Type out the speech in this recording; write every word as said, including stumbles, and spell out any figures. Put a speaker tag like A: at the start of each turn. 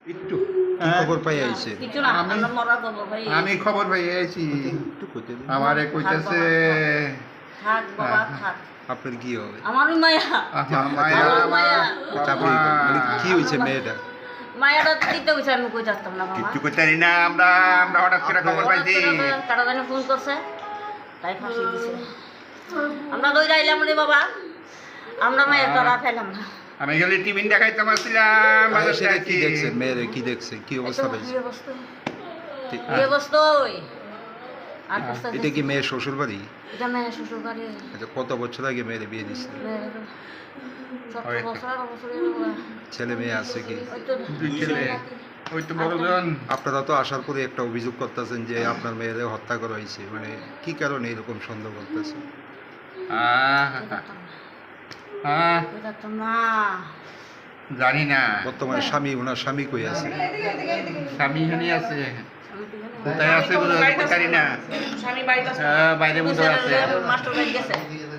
A: একটু খবর পাই আইছে
B: কিছু না
A: আমি
B: আমরা মরা খবর ভাই
A: আমি খবর পাই আইছি
C: একটু কইতে দিন।
A: আমারে কইতাছে
B: থাক বাবা থাক
C: আপনার কি হবে?
B: আমারই মায়া
A: আমার মায়া
B: আমার মায়া।
C: চাপড়ি মানে কি হয়েছে মেয়েটা?
B: মায়াটা দিতে হইছে আমি কই যাচ্তাম না বাবা
A: কিচ্ছু করতে পারি না আমরা আমরা হঠাৎ করে খবর পাইছি
B: কাটা জানি ফোন করছে তাই ফাঁসি দিছে আমরা দৌড়ে আইলাম রে বাবা আমরা মায়ের ধরা ফেলাম না
A: আমি গেলে টিফিন দেখাইতে পারছিলাম
C: আর
A: বাজার
C: সেটা
A: থেকে
C: কি দেখছেন মেয়েরে কি দেখছেন কি অবস্থা
B: এই
C: পাইছে?
B: অবস্থা
C: ঠিক-
B: এই অবস্থা ওই আর কষ্ট
C: এটা কি মেয়ের শ্বশুর বাড়ি?
B: এটা মেয়ে শ্বশুর বাড়ি
C: আচ্ছা, কত বছর আগে মেয়েরে বিয়ে দিচ্ছিল?
B: মেয়ের সত্তর
A: ওই-
B: বছর আঠারো বছর এরকম।
C: ছেলে মেয়ে আছে কি?
B: ওই তো
A: দুই ছেলে ওই তো বড়জন
C: আপনারা তো আসার পরে একটা অভিযোগ করতেছেন যে আপনার মেয়েরে হত্যা করা হয়েছে, মানে কি কারণে এরকম সন্দেহ করতেছে?
A: আহ,
B: কই যাচ্তাম না।
A: আহ,
B: কই যাচ্তাম না
A: জানি না
C: বর্তমানে স্বামী ওনার স্বামী কই আছে?
A: স্বামী এখানে আছে
B: আমি তো জানি না।
A: কোথায় আছে বলে জানি না
B: স্বামী বাড়িতে আছে
A: আহ, বাইরে মধ্যে আছে
B: মাস্টার বাড়ি গেছে